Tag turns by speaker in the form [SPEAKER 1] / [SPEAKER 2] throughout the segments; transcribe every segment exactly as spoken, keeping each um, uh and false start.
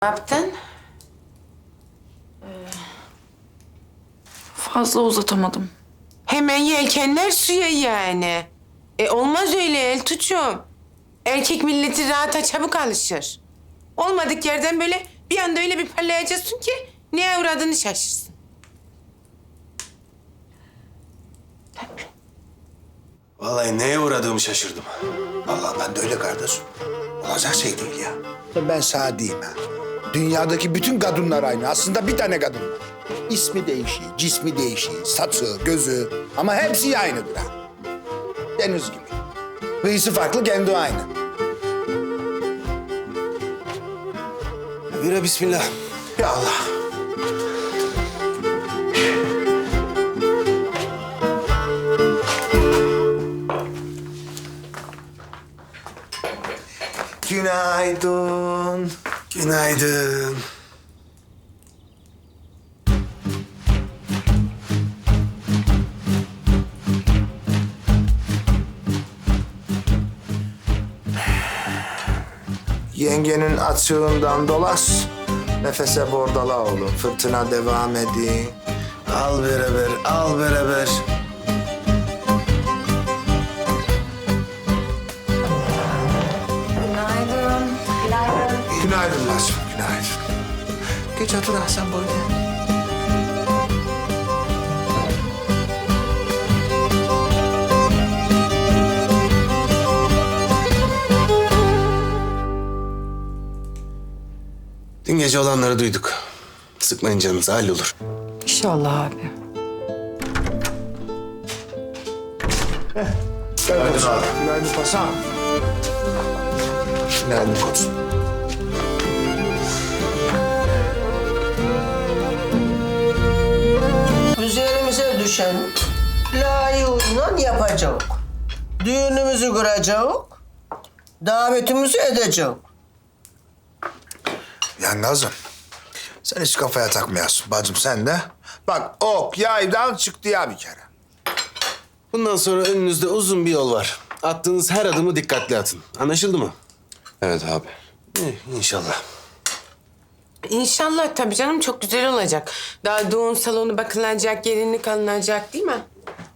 [SPEAKER 1] Ne yaptın?
[SPEAKER 2] Fazla uzatamadım.
[SPEAKER 1] Hemen yelkenler suya yani. E olmaz öyle Eltuçum. Erkek milleti rahata çabuk alışır. Olmadık yerden böyle bir anda öyle bir parlayacaksın ki neye uğradığını şaşırsın.
[SPEAKER 3] Vallahi neye uğradığımı şaşırdım.
[SPEAKER 4] Vallahi ben de öyle kardeşim. Olacak şey değil ya. Ben sana diyeyim ha. Dünyadaki bütün kadınlar aynı. Aslında bir tane kadın var. İsmi değişiyor, cismi değişiyor, saçı, gözü ama hepsi aynıdır ha. Deniz gibi. Kıyısı farklı, kendi aynı.
[SPEAKER 3] Bira bismillah.
[SPEAKER 4] Ya Allah. Günaydın.
[SPEAKER 3] Günaydın.
[SPEAKER 4] Yengenin açığından dolaş. Nefese bordala oğlum. Fırtına devam ediyor.
[SPEAKER 3] Al beraber, al beraber.
[SPEAKER 2] Günaydın. Günaydın.
[SPEAKER 4] Günaydın Nazım, günaydın. Geç otur Hasan böyle.
[SPEAKER 3] Dün gece olanları duyduk. Sıkmayın canınızı, hallolur.
[SPEAKER 2] İnşallah abi.
[SPEAKER 4] Günaydın abi. Günaydın Hasan. Günaydın koçum.
[SPEAKER 5] Üzerimize düşen layığıyla yapacak. Düğünümüzü kuracak. Davetimizi edecek.
[SPEAKER 4] Ya Nazım, sen hiç kafaya takmayasın bacım sen de. Bak ok yaydan çıktı ya bir kere.
[SPEAKER 3] Bundan sonra önünüzde uzun bir yol var. Attığınız her adımı dikkatli atın. Anlaşıldı mı?
[SPEAKER 6] Evet abi.
[SPEAKER 3] İyi, inşallah.
[SPEAKER 1] İnşallah tabii canım çok güzel olacak. Daha düğün salonu bakılacak, gelinlik alınacak değil mi?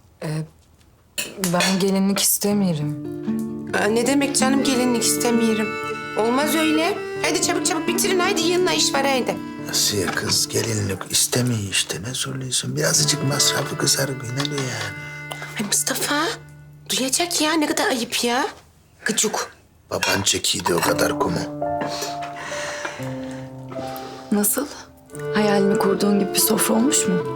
[SPEAKER 2] Ben gelinlik istemiyorum.
[SPEAKER 1] Aa, ne demek canım gelinlik istemiyorum. Olmaz öyle. Hadi çabuk çabuk bitirin haydi yanına iş var haydi.
[SPEAKER 4] Nasıl ya kız gelinlik istemiyor işte ne söylüyorsun? Birazcık masrafı kısar ne diyor yani?
[SPEAKER 1] Ay Mustafa duyacak ya ne kadar ayıp ya. Gıcık.
[SPEAKER 4] Baban çekiydi o kadar kumu.
[SPEAKER 2] Nasıl? Hayalini kurduğun gibi bir sofra olmuş mu?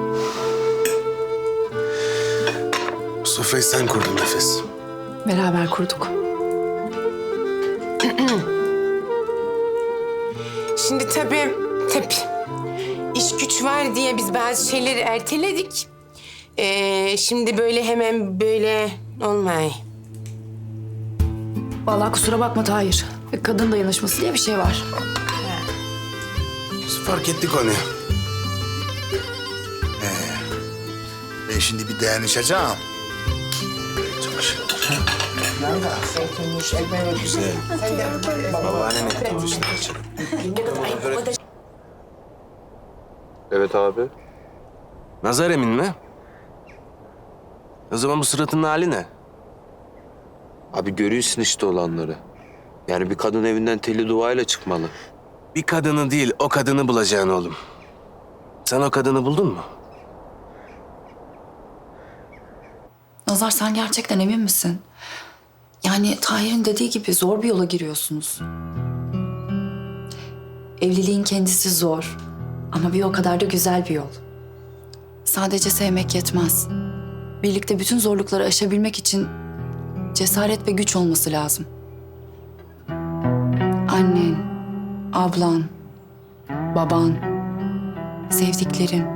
[SPEAKER 3] Bu sofrayı sen kurdun Nefes.
[SPEAKER 2] Beraber kurduk.
[SPEAKER 1] Şimdi tabii tabii iş güç var diye biz bazı şeyleri erteledik. Ee, şimdi böyle hemen böyle olmay.
[SPEAKER 2] Vallahi kusura bakma Tahir. Kadın dayanışması diye bir şey var.
[SPEAKER 3] Biz fark ettik onu.
[SPEAKER 4] Ben şimdi bir dayanışacağım.
[SPEAKER 3] Babaanne ne yapıyorsun?
[SPEAKER 6] Evet abi.
[SPEAKER 3] Nazar emin mi? O zaman bu suratının hali ne?
[SPEAKER 6] Abi görüyorsun işte olanları. Yani bir kadın evinden telli duayla çıkmalı.
[SPEAKER 3] Bir kadını değil, o kadını bulacaksın oğlum. Sen o kadını buldun mu?
[SPEAKER 2] Nazar sen gerçekten emin misin? Yani Tahir'in dediği gibi zor bir yola giriyorsunuz. Evliliğin kendisi zor ama bir o kadar da güzel bir yol. Sadece sevmek yetmez. Birlikte bütün zorlukları aşabilmek için cesaret ve güç olması lazım. Annen, ablan, baban, sevdiklerin.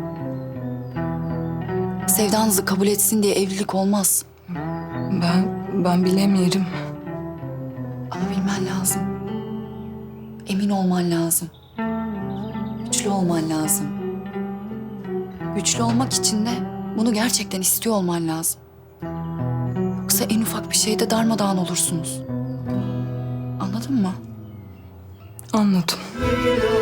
[SPEAKER 2] Sevdanızı kabul etsin diye evlilik olmaz. Ben, ben bilemiyorum. Ama bilmen lazım. Emin olman lazım. Güçlü olman lazım. Güçlü olmak için de bunu gerçekten istiyor olman lazım. Yoksa en ufak bir şeyde darmadağın olursunuz. Anladın mı? Anladım.